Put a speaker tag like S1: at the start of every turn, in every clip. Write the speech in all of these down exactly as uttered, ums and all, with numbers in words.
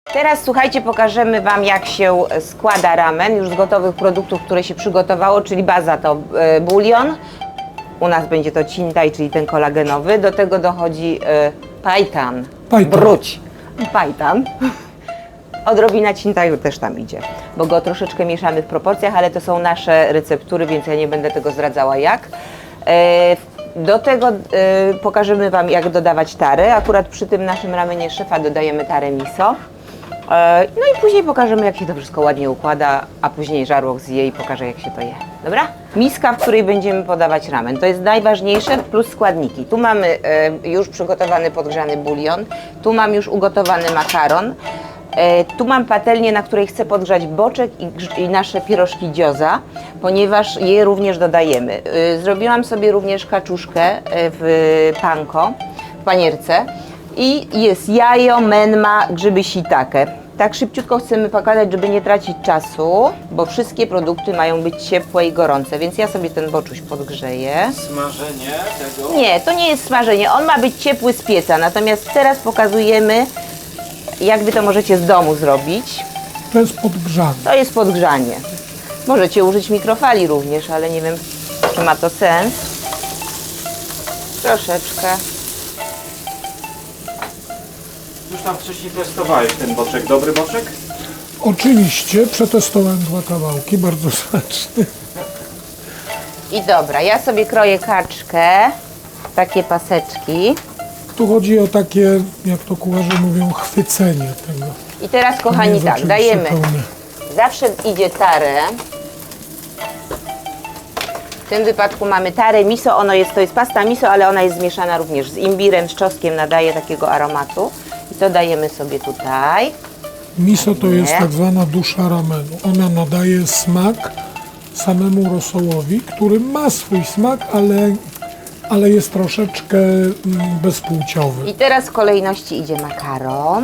S1: Teraz słuchajcie, pokażemy Wam, jak się składa ramen już z gotowych produktów, które się przygotowało, czyli baza to y, bulion. U nas będzie to cintaj, czyli ten kolagenowy. Do tego dochodzi y, pajtan,
S2: Pajtan.
S1: bruć, pajtan. Odrobina cintaju też tam idzie, bo go troszeczkę mieszamy w proporcjach, ale to są nasze receptury, więc ja nie będę tego zdradzała jak. E, do tego e, pokażemy Wam, jak dodawać tarę. Akurat przy tym naszym ramenie szefa dodajemy tarę miso. E, no i później pokażemy, jak się to wszystko ładnie układa, a później żarłok zje i pokaże, jak się to je. Dobra? Miska, w której będziemy podawać ramen. To jest najważniejsze, plus składniki. Tu mamy e, już przygotowany podgrzany bulion, tu mam już ugotowany makaron. E, tu mam patelnię, na której chcę podgrzać boczek i, grz- i nasze pierożki gioza, ponieważ je również dodajemy. E, zrobiłam sobie również kaczuszkę e, w panko, w panierce i jest jajo, menma, grzyby shiitake. Tak szybciutko chcemy pokazać, żeby nie tracić czasu, bo wszystkie produkty mają być ciepłe i gorące, więc ja sobie ten boczuś podgrzeję.
S3: Smażenie tego?
S1: Nie, to nie jest smażenie, on ma być ciepły z pieca, natomiast teraz pokazujemy, jak Wy to możecie z domu zrobić.
S2: To jest podgrzane.
S1: To jest podgrzanie. Możecie użyć mikrofali również, ale nie wiem, czy ma to sens. Troszeczkę.
S3: Już tam wcześniej testowałeś ten boczek. Dobry boczek?
S2: Oczywiście przetestowałem dwa kawałki, bardzo smaczny.
S1: I dobra, ja sobie kroję kaczkę, takie paseczki.
S2: Tu chodzi o takie, jak to kucharze mówią, chwycenie tego.
S1: I teraz,
S2: To nie
S1: kochani,
S2: jest
S1: tak,
S2: oczywiście
S1: dajemy.
S2: pełne.
S1: Zawsze idzie tarę. W tym wypadku mamy tarę miso, ono jest, to jest pasta miso, ale ona jest zmieszana również z imbirem, z czosnkiem, nadaje takiego aromatu. I to dajemy sobie tutaj.
S2: Miso to jest
S1: Nie.
S2: tak zwana dusza ramenu. Ona nadaje smak samemu rosołowi, który ma swój smak, ale, ale jest troszeczkę mm, bezpłciowy.
S1: I teraz w kolejności idzie makaron.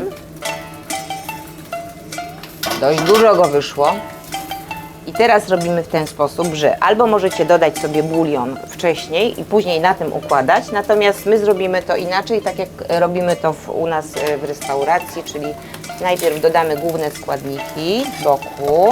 S1: Dość dużo go wyszło. I teraz robimy w ten sposób, że albo możecie dodać sobie bulion wcześniej i później na tym układać, natomiast my zrobimy to inaczej, tak jak robimy to w, u nas e, w restauracji, czyli najpierw dodamy główne składniki z boku.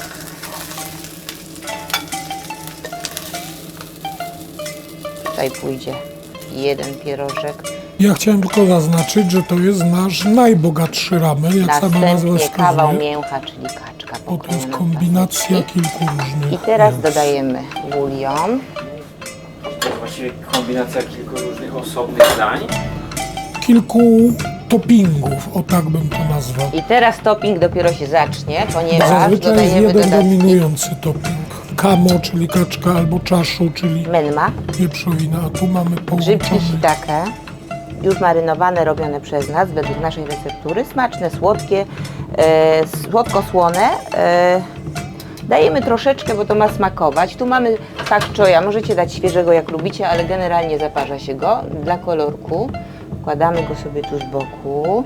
S1: Tutaj pójdzie jeden pierożek.
S2: Ja chciałem tylko zaznaczyć, że to jest nasz najbogatszy ramen, jak sama nazwa
S1: Następnie kawał
S2: wskazuje.
S1: mięcha, czyli kaczka.
S2: Bo to jest
S1: pokrojona
S2: kombinacja
S1: paseczki.
S2: kilku różnych
S1: I teraz
S2: mięs.
S1: dodajemy bulion.
S3: To jest właściwie kombinacja kilku różnych osobnych dań.
S2: Kilku toppingów, o tak bym to nazwał.
S1: I teraz topping dopiero się zacznie,
S2: Bo
S1: ponieważ
S2: zazwyczaj jest
S1: dodajemy
S2: jeden
S1: dodatki
S2: dominujący topping. Kamo, czyli kaczka, albo czaszu, czyli
S1: menma,
S2: wieprzowina, a tu mamy
S1: grzybki
S2: połączone.
S1: shiitake, już marynowane, robione przez nas, według naszej receptury, smaczne, słodkie, e, słodko-słone. E, dajemy troszeczkę, bo to ma smakować. Tu mamy pak choya, możecie dać świeżego jak lubicie, ale generalnie zaparza się go dla kolorku. Wkładamy go sobie tu z boku.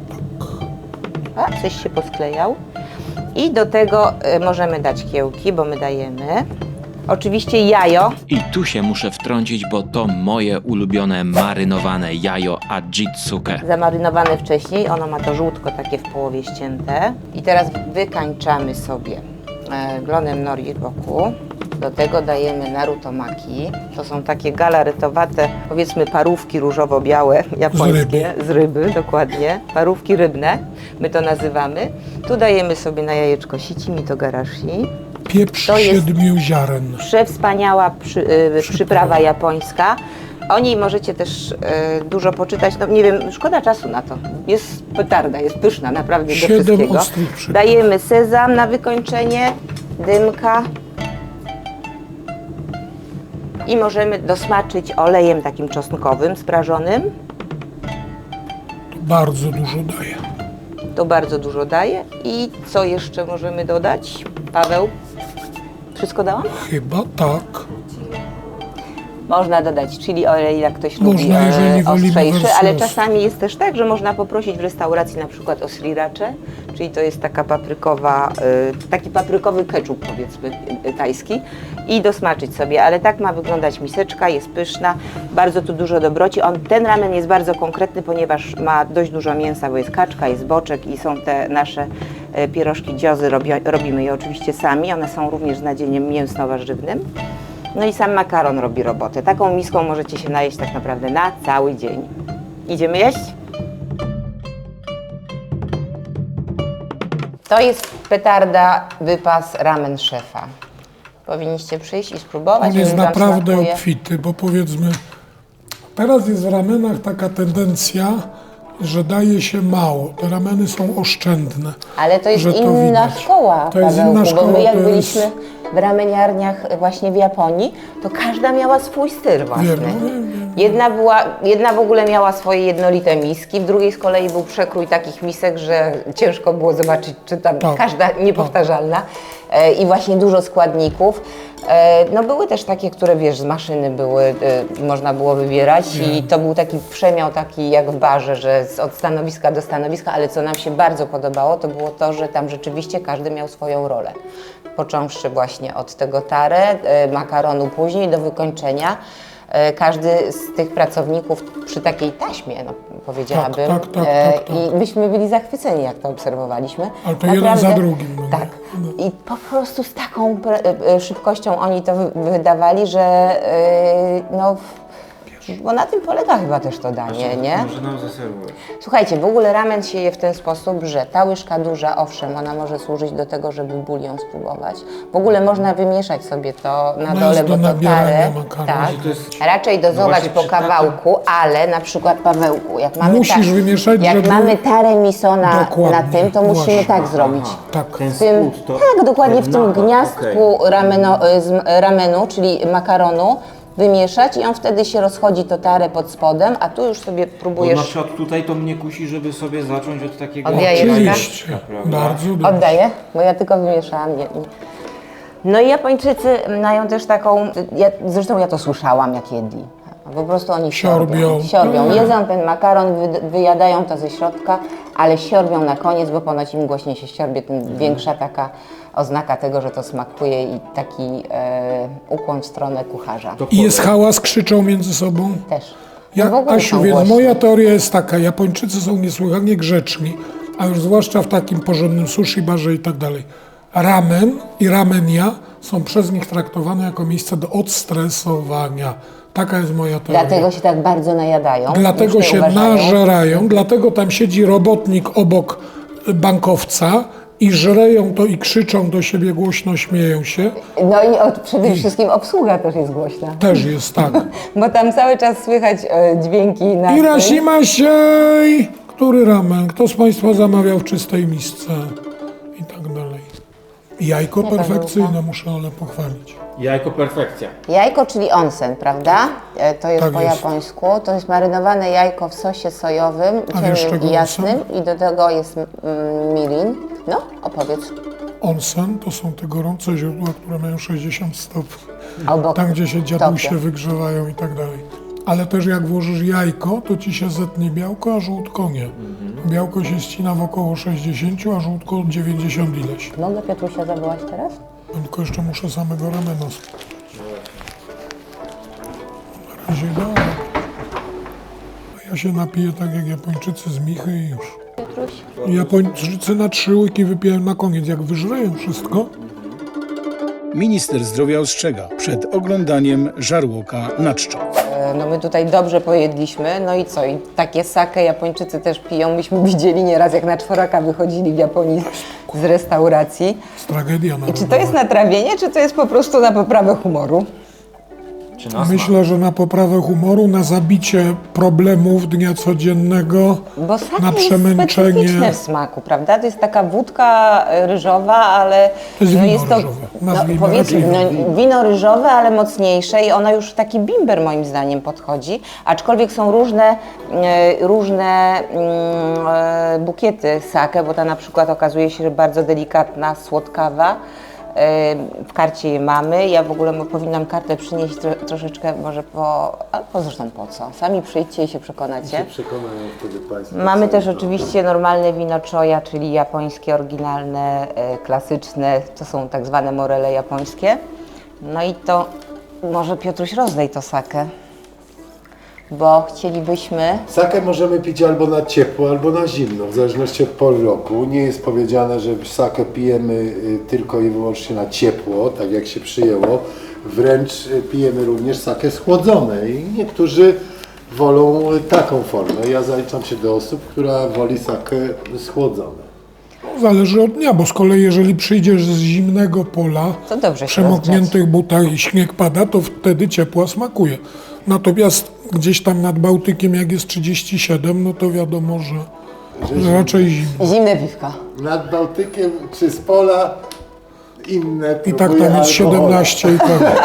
S1: A, coś się posklejał. I do tego e, możemy dać kiełki, bo my dajemy. Oczywiście jajo.
S4: I tu się muszę wtrącić, bo to moje ulubione marynowane jajo Ajitsuke.
S1: Zamarynowane wcześniej, ono ma to żółtko takie w połowie ścięte. I teraz wykańczamy sobie e, glonem nori boku. Do tego dajemy narutomaki. To są takie galaretowate, powiedzmy parówki różowo-białe, japońskie, z ryby. dokładnie. Parówki rybne, my to nazywamy. Tu dajemy sobie na jajeczko sici mitogarashi.
S2: Pieprz
S1: to jest-
S2: siedmiu ziaren.
S1: Przewspaniała przy, y, przyprawa japońska. O niej możecie też y, dużo poczytać. No nie wiem, szkoda czasu na to. Jest petarda, jest pyszna naprawdę do
S2: Siedem
S1: wszystkiego.
S2: ostrych przypraw.
S1: Dajemy sezam na wykończenie, dymka i możemy dosmaczyć olejem takim czosnkowym, sprażonym.
S2: Bardzo dużo daje.
S1: To bardzo dużo daje. I co jeszcze możemy dodać? Paweł? Wszystko dałam?
S2: Chyba tak.
S1: Można dodać chili oil, jak ktoś
S2: Można,
S1: lubi e,
S2: jeżeli wolimy
S1: ostrzejszy,
S2: wersję
S1: ale
S2: ostry.
S1: czasami jest też tak, że można poprosić w restauracji na przykład o sriracze, czyli to jest taka paprykowa, y, taki paprykowy keczup, powiedzmy, y, tajski, i dosmaczyć sobie, ale tak ma wyglądać miseczka, jest pyszna, bardzo tu dużo dobroci. On, ten ramen jest bardzo konkretny, ponieważ ma dość dużo mięsa, bo jest kaczka, jest boczek i są te nasze y, pierożki dziozy, robi, robimy je oczywiście sami, one są również z nadzieniem mięsno-warzywnym. No i sam makaron robi robotę. Taką miską możecie się najeść tak naprawdę na cały dzień. Idziemy jeść? To jest petarda, wypas ramen szefa. Powinniście przyjść i spróbować.
S2: On jest
S1: jeżeli wam
S2: naprawdę
S1: smakuje.
S2: obfity, bo powiedzmy, teraz jest w ramenach taka tendencja, że daje się mało. Te rameny są oszczędne.
S1: Ale to jest
S2: że to
S1: inna
S2: widać.
S1: szkoła,
S2: To jest
S1: Pawełku,
S2: inna szkoła,
S1: bo my jak
S2: to
S1: byliśmy
S2: jest-
S1: w rameniarniach właśnie w Japonii, to każda miała swój styl własny.
S2: Wiem, no wiem, wiem.
S1: Jedna, była, jedna w ogóle miała swoje jednolite miski, w drugiej z kolei był przekrój takich misek, że ciężko było zobaczyć, czy tam
S2: Tak,
S1: każda niepowtarzalna. E, I właśnie dużo składników. E, no były też takie, które wiesz, z maszyny były, e, można było wybierać i to był taki przemiał taki jak w barze, że z, od stanowiska do stanowiska, ale co nam się bardzo podobało, to było to, że tam rzeczywiście każdy miał swoją rolę. Począwszy właśnie od tego tare, e, makaronu później do wykończenia. E, Każdy z tych pracowników przy takiej taśmie, no, powiedziałabym,
S2: Tak, tak, tak,
S1: e,
S2: tak, tak.
S1: i myśmy byli zachwyceni, jak to obserwowaliśmy.
S2: Ale to jeden za drugim, no nie?
S1: Tak. I po prostu z taką pre- e, szybkością oni to wy- wydawali, że e, no, bo na tym polega chyba też to danie, nie?
S3: Może nam zaserwujesz.
S1: Słuchajcie, w ogóle ramen się je w ten sposób, że ta łyżka duża, owszem, ona może służyć do tego, żeby bulion spróbować. W ogóle można wymieszać sobie to na
S2: Ona
S1: dole,
S2: jest
S1: bo
S2: do
S1: to
S2: nabierania
S1: tarę,
S2: makaronu.
S1: tak,
S3: To jest-
S1: raczej dozować
S3: właśnie
S1: po
S3: przy takim-
S1: kawałku, ale na przykład Pawełku, jak mamy,
S2: Musisz wymieszać,
S1: jak
S2: żeby-
S1: mamy tarę miso na, na
S2: Dokładnie,
S1: tym, to musimy
S2: właśnie.
S1: tak zrobić.
S2: Tak.
S3: Ten
S1: W tym,
S3: spód to...
S1: tak, dokładnie w tym
S3: Aha,
S1: gniazdku
S3: okej.
S1: rameno, z ramenu, czyli makaronu, wymieszać i on wtedy się rozchodzi to tarę pod spodem, a tu już sobie
S3: Bo na
S1: próbujesz.
S3: przykład tutaj to mnie kusi, żeby sobie zacząć od takiego...
S1: Oddaję
S2: Oczywiście,
S3: prawda?
S2: bardzo dobrze.
S1: Oddaję, bo ja tylko wymieszałam. Nie, nie. No i Japończycy mają też taką, ja, zresztą ja to słyszałam, jak jedli. Po prostu oni siorbią.
S2: Siorbią.
S1: Siorbią.
S2: Tak.
S1: Jedzą ten makaron, wy, wyjadają to ze środka, ale siorbią na koniec, bo ponoć im głośniej się siorbie, tym większa taka oznaka tego, że to smakuje i taki e, ukłon w stronę kucharza.
S3: To
S2: I jest
S3: powiem.
S2: hałas, krzyczą między sobą.
S1: Też.
S2: Ja,
S1: No w ogóle
S2: Asiu,
S1: są
S2: więc
S1: głośni.
S2: moja teoria jest taka, Japończycy są niesłychanie grzeczni, a już zwłaszcza w takim porządnym sushi barze i tak dalej. Ramen i ramenia są przez nich traktowane jako miejsce do odstresowania. Taka jest moja teoria.
S1: Dlatego się tak bardzo najadają.
S2: Dlatego
S1: już nie
S2: się
S1: uważają.
S2: nażerają, dlatego tam siedzi robotnik obok bankowca i żreją to i krzyczą do siebie głośno, śmieją się.
S1: No i od, przede wszystkim obsługa też jest głośna.
S2: Też jest tak.
S1: Bo tam cały czas słychać e, dźwięki na
S2: Irashimashai! Który ramen? Kto z Państwa zamawiał w czystej misce? I tak dalej. Jajko perfekcyjne, muszę ale pochwalić.
S3: Jajko perfekcja.
S1: Jajko, czyli onsen, prawda? E, To jest
S2: Tak
S1: po
S2: jest.
S1: japońsku. To jest marynowane jajko w sosie sojowym,
S2: A wiesz,
S1: ciemnym
S2: czego
S1: i jasnym. I do tego jest mm, mirin. No, opowiedz.
S2: Onsen to są te gorące źródła, które mają sześćdziesiąt stopni.
S1: Obok
S2: Tam, gdzie się dziadusie
S1: Tokio.
S2: wygrzewają i tak dalej. Ale też jak włożysz jajko, to ci się zetnie białko, a żółtko nie. Białko się ścina w około sześćdziesiąt, a żółtko dziewięćdziesiąt ileś.
S1: Mogę Piotrusia zawołać teraz?
S2: Tylko jeszcze muszę samego ramena spróbować. Na razie dobra. A ja się napiję tak jak Japończycy z Michy i już.
S1: Piotruś?
S2: Japończycy na trzy łyki wypiją na koniec. Jak wyżreją wszystko,
S5: Minister zdrowia ostrzega przed oglądaniem żarłoka na czczo.
S1: E, No my tutaj dobrze pojedliśmy, no i co? I takie sake Japończycy też piją. Myśmy widzieli nieraz, jak na czworaka wychodzili w Japonii z restauracji.
S2: jest tragedia
S1: I
S2: narodowa.
S1: czy to jest natrawienie, czy to jest po prostu na poprawę humoru?
S3: Czy nas
S2: Myślę, że na poprawę humoru, na zabicie problemów dnia codziennego,
S1: Bo sake
S2: na
S1: jest
S2: przemęczenie.
S1: specyficzne w smaku, prawda? To jest taka wódka ryżowa, ale
S2: To jest
S1: no
S2: wino
S1: jest to,
S2: ryżowe.
S1: no,
S2: Nazwijmy
S1: powiedzmy,
S2: raczej
S1: no, wino ryżowe, ale mocniejsze i ono już w taki bimber moim zdaniem podchodzi, aczkolwiek są różne, e, różne mm, e, bukiety sake, bo ta na przykład okazuje się, że bardzo delikatna, słodkawa, W karcie je mamy. Ja w ogóle mo- powinnam kartę przynieść tro, troszeczkę może po... Albo zresztą po co? Sami przyjdźcie i się przekonacie.
S6: Przekonają wtedy Państwo.
S1: Mamy
S6: co
S1: też
S6: to-
S1: oczywiście normalne wino choya, czyli japońskie, oryginalne, e, klasyczne. To są tak zwane morele japońskie. No i to może Piotruś rozdaj to sakę, bo chcielibyśmy...
S6: Sakę możemy pić albo na ciepło, albo na zimno, w zależności od pory roku. Nie jest powiedziane, że sakę pijemy y, tylko i wyłącznie na ciepło, tak jak się przyjęło. Wręcz y, pijemy również sakę schłodzone i niektórzy wolą y, taką formę. Ja zaliczam się do osób, która woli sakę schłodzone.
S2: Zależy od dnia, bo z kolei jeżeli przyjdziesz z zimnego pola,
S1: To dobrze się
S2: w przemokniętych
S1: rozgrzać.
S2: butach i śnieg pada, to wtedy ciepła smakuje. Natomiast gdzieś tam nad Bałtykiem, jak jest trzydzieści siedem, no to wiadomo, że, że raczej zimno.
S1: Zimne piwka.
S6: Nad Bałtykiem czy z pola inne
S2: I tak
S6: próbuję
S2: tam jest
S6: alkohole.
S2: siedemnaście i tak.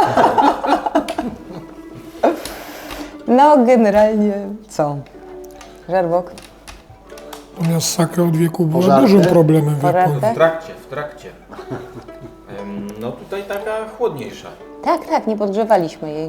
S1: No generalnie co? Żarłok?
S2: Natomiast sakę od wieku była
S6: Pożarty?
S2: dużym problemem w
S1: Pożarty?
S2: Japonii.
S4: W trakcie, w trakcie. Em, No tutaj taka chłodniejsza.
S1: Tak, tak, nie podgrzewaliśmy jej.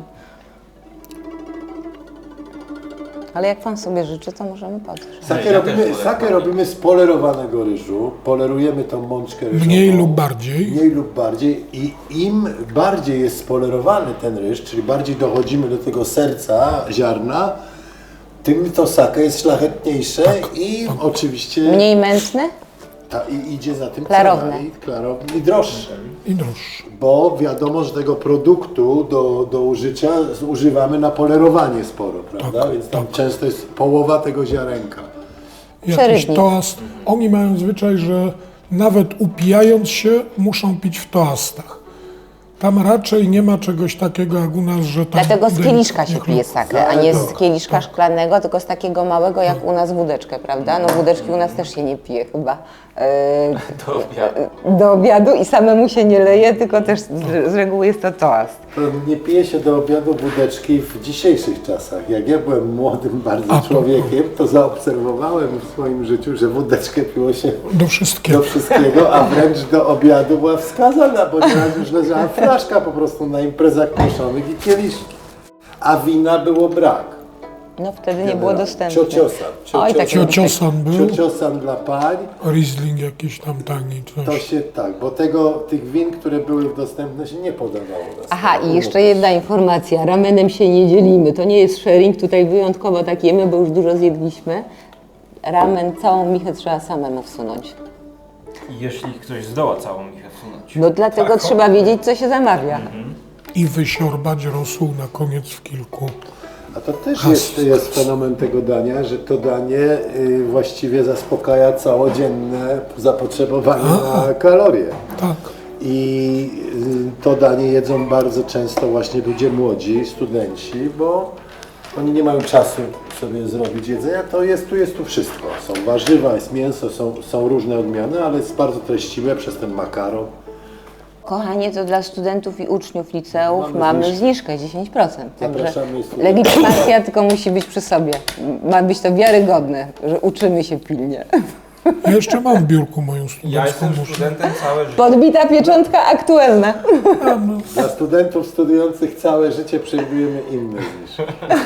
S1: Ale jak pan sobie życzy, to możemy podgrzać.
S6: Sakę,
S4: Ja też
S6: robimy,
S4: wolę
S6: sakę
S4: chłodniej.
S6: robimy z polerowanego ryżu. Polerujemy tą mączkę ryżową.
S2: Mniej lub bardziej.
S6: Mniej lub bardziej. I im bardziej jest spolerowany ten ryż, czyli bardziej dochodzimy do tego serca ziarna, tym to sakę jest szlachetniejsze i oczywiście
S1: Mniej mętne?
S6: ta, i idzie za tym
S1: Klarowne.
S6: cena i klarowne i droższe.
S2: I droższe.
S6: Bo wiadomo, że tego produktu do, do użycia używamy na polerowanie sporo, prawda?
S2: Tak,
S6: Więc tam
S2: tak.
S6: często jest połowa tego ziarenka.
S2: Jakiś
S1: Przerywnik.
S2: toast. Oni mają zwyczaj, że nawet upijając się, muszą pić w toastach. Tam raczej nie ma czegoś takiego jak u nas, że tam...
S1: Dlatego z kieliszka się
S2: delikatnie
S1: pije sakę, a nie z
S6: Tak,
S1: kieliszka szklanego, tylko z takiego małego jak u nas wódeczkę, prawda? No wódeczki u nas też się nie pije chyba e,
S4: Do obiadu.
S1: do obiadu i samemu się nie leje, tylko też z, z reguły jest to toast.
S6: To nie pije się do obiadu wódeczki w dzisiejszych czasach. Jak ja byłem młodym bardzo
S2: A, to-
S6: człowiekiem, to zaobserwowałem w swoim życiu, że wódeczkę piło się
S2: Do wszystkiego.
S6: do wszystkiego, a wręcz do obiadu była wskazana, bo nieraz już leżała flaszka po prostu na imprezach mieszonych i kieliszki. A wina było brak.
S1: No wtedy nie było dostępne.
S6: Ciociosan.
S1: Oj, tak
S2: Ciociosan był,
S6: Ciociosan dla pań.
S2: Riesling jakiś tam tani,
S6: To
S2: coś.
S6: się tak, bo tego, tych win, które były dostępne, się nie podawało. na
S1: Aha,
S6: stole.
S1: i jeszcze jedna informacja. Ramenem się nie dzielimy. To nie jest sharing, tutaj wyjątkowo tak jemy, bo już dużo zjedliśmy. Ramen, całą michę trzeba samemu wsunąć.
S3: Jeśli ktoś zdoła całą michę wsunąć.
S1: No dlatego trzeba wiedzieć, co się zamawia.
S2: I wysiorbać rosół na koniec w kilku.
S6: A to też jest, jest fenomen tego dania, że to danie y, właściwie zaspokaja całodzienne zapotrzebowanie na kalorie.
S2: Tak.
S6: I y, to danie jedzą bardzo często właśnie ludzie młodzi, studenci, bo oni nie mają czasu sobie zrobić jedzenia. To jest, tu jest tu wszystko. Są warzywa, jest mięso, są, są różne odmiany, ale jest bardzo treściwe przez ten makaron.
S1: Kochanie, to dla studentów i uczniów liceów
S6: Mamy
S1: mamy,
S6: zniżkę.
S1: zniżkę dziesięć procent. Także
S6: Zapraszamy studentów.
S1: legitymacja tylko musi być przy sobie. Ma być to wiarygodne, że uczymy się pilnie.
S2: Ja jeszcze mam w biurku moją
S3: Ja
S2: studencką
S3: jestem
S2: muszę.
S3: studentem całe życie.
S1: Podbita pieczątka aktualna.
S6: Dla studentów studiujących całe życie przewidujemy inne niż.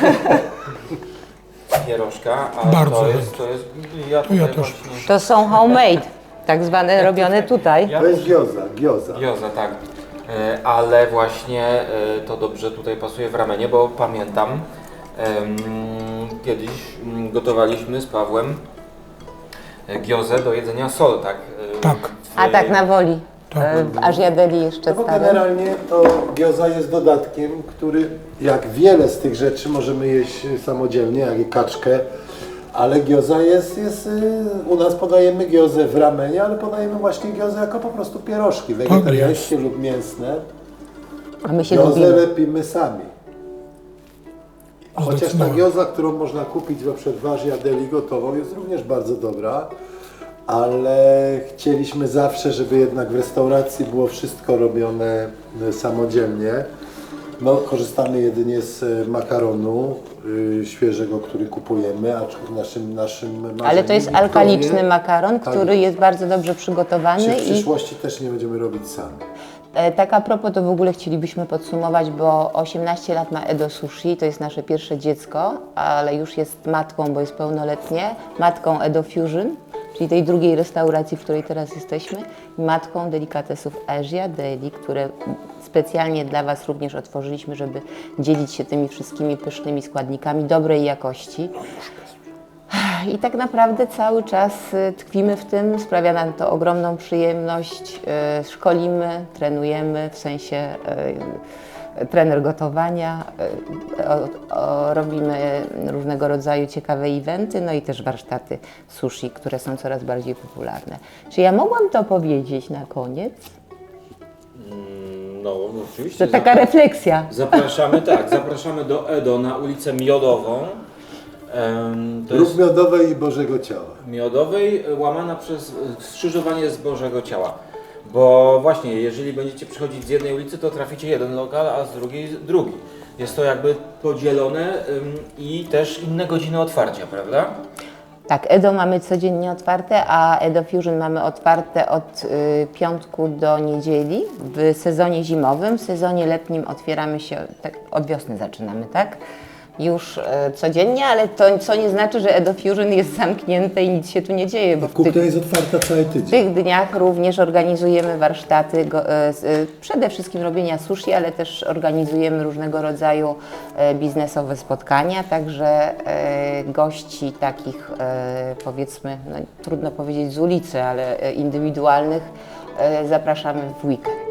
S3: Pierożka, a
S2: Bardzo
S3: to
S2: chętnie.
S3: jest, to jest, ja
S2: ja
S3: tutaj
S2: też
S3: właśnie,
S1: To są homemade, tak zwane robione tutaj.
S3: ja
S6: To jest gioza, gioza.
S3: Gioza, tak. E, Ale właśnie e, to dobrze tutaj pasuje w ramenie, bo pamiętam em, kiedyś mm, gotowaliśmy z Pawłem e, giozę do jedzenia sol, tak? E,
S2: Tak.
S3: w-
S1: A tak na woli.
S2: Tak.
S1: E, W Ażjadeli jeszcze
S6: No bo
S1: starym.
S6: generalnie to gioza jest dodatkiem, który jak wiele z tych rzeczy możemy jeść samodzielnie, jak i kaczkę, ale gioza jest, jest y, u nas podajemy giozę w ramenie, ale podajemy właśnie giozę jako po prostu pierożki wegetariańskie lub mięsne.
S1: A my się
S6: Giozę
S1: lubimy.
S6: lepimy sami. Chociaż ta
S2: Zdecydowanie.
S6: gioza, którą można kupić na przykład w Ażjadeli gotową, jest również bardzo dobra, ale chcieliśmy zawsze, żeby jednak w restauracji było wszystko robione e, samodzielnie. No, korzystamy jedynie z e, makaronu y, świeżego, który kupujemy, aczkolwiek naszym, naszym marzeniem
S1: Ale to jest
S6: Wiktorii-
S1: alkaliczny makaron,
S6: Tak
S1: który
S6: jest.
S1: jest bardzo dobrze przygotowany
S6: Czy w
S1: i
S6: przyszłości też nie będziemy robić sami.
S1: E, Tak a propos, to w ogóle chcielibyśmy podsumować, bo osiemnaście lat ma Edo Sushi, to jest nasze pierwsze dziecko, ale już jest matką, bo jest pełnoletnie, matką Edo Fusion, czyli tej drugiej restauracji, w której teraz jesteśmy, i matką Delikatesów Asia Deli, które specjalnie dla Was również otworzyliśmy, żeby dzielić się tymi wszystkimi pysznymi składnikami dobrej jakości. I tak naprawdę cały czas y, tkwimy w tym, sprawia nam to ogromną przyjemność, y, szkolimy, trenujemy, w sensie y, trener gotowania, y, o, o, robimy różnego rodzaju ciekawe eventy, no i też warsztaty sushi, które są coraz bardziej popularne. Czy ja mogłam to powiedzieć na koniec?
S3: No, oczywiście.
S1: To taka refleksja.
S3: Zapraszamy, tak, zapraszamy do Edo na ulicę Miodową. Em, To
S6: Lub
S3: jest
S6: miodowej i Bożego Ciała.
S3: Miodowej, łamana przez skrzyżowanie z Bożego Ciała. Bo właśnie, jeżeli będziecie przychodzić z jednej ulicy, to traficie jeden lokal, a z drugiej drugi. Jest to jakby podzielone ym, i też inne godziny otwarcia, prawda?
S1: Tak, Edo mamy codziennie otwarte, a Edo Fusion mamy otwarte od y, piątku do niedzieli w sezonie zimowym. W sezonie letnim otwieramy się, tak, od wiosny zaczynamy, tak? Już y, codziennie, ale to co nie znaczy, że Edo Fusion jest zamknięte i nic się tu nie dzieje, bo w tych,
S6: Kuchnia jest otwarta cały
S1: w
S6: tydzień.
S1: tych dniach również organizujemy warsztaty, go, y, y, przede wszystkim robienia sushi, ale też organizujemy różnego rodzaju y, biznesowe spotkania, także y, gości takich y, powiedzmy, no, trudno powiedzieć z ulicy, ale y, indywidualnych y, zapraszamy w weekend.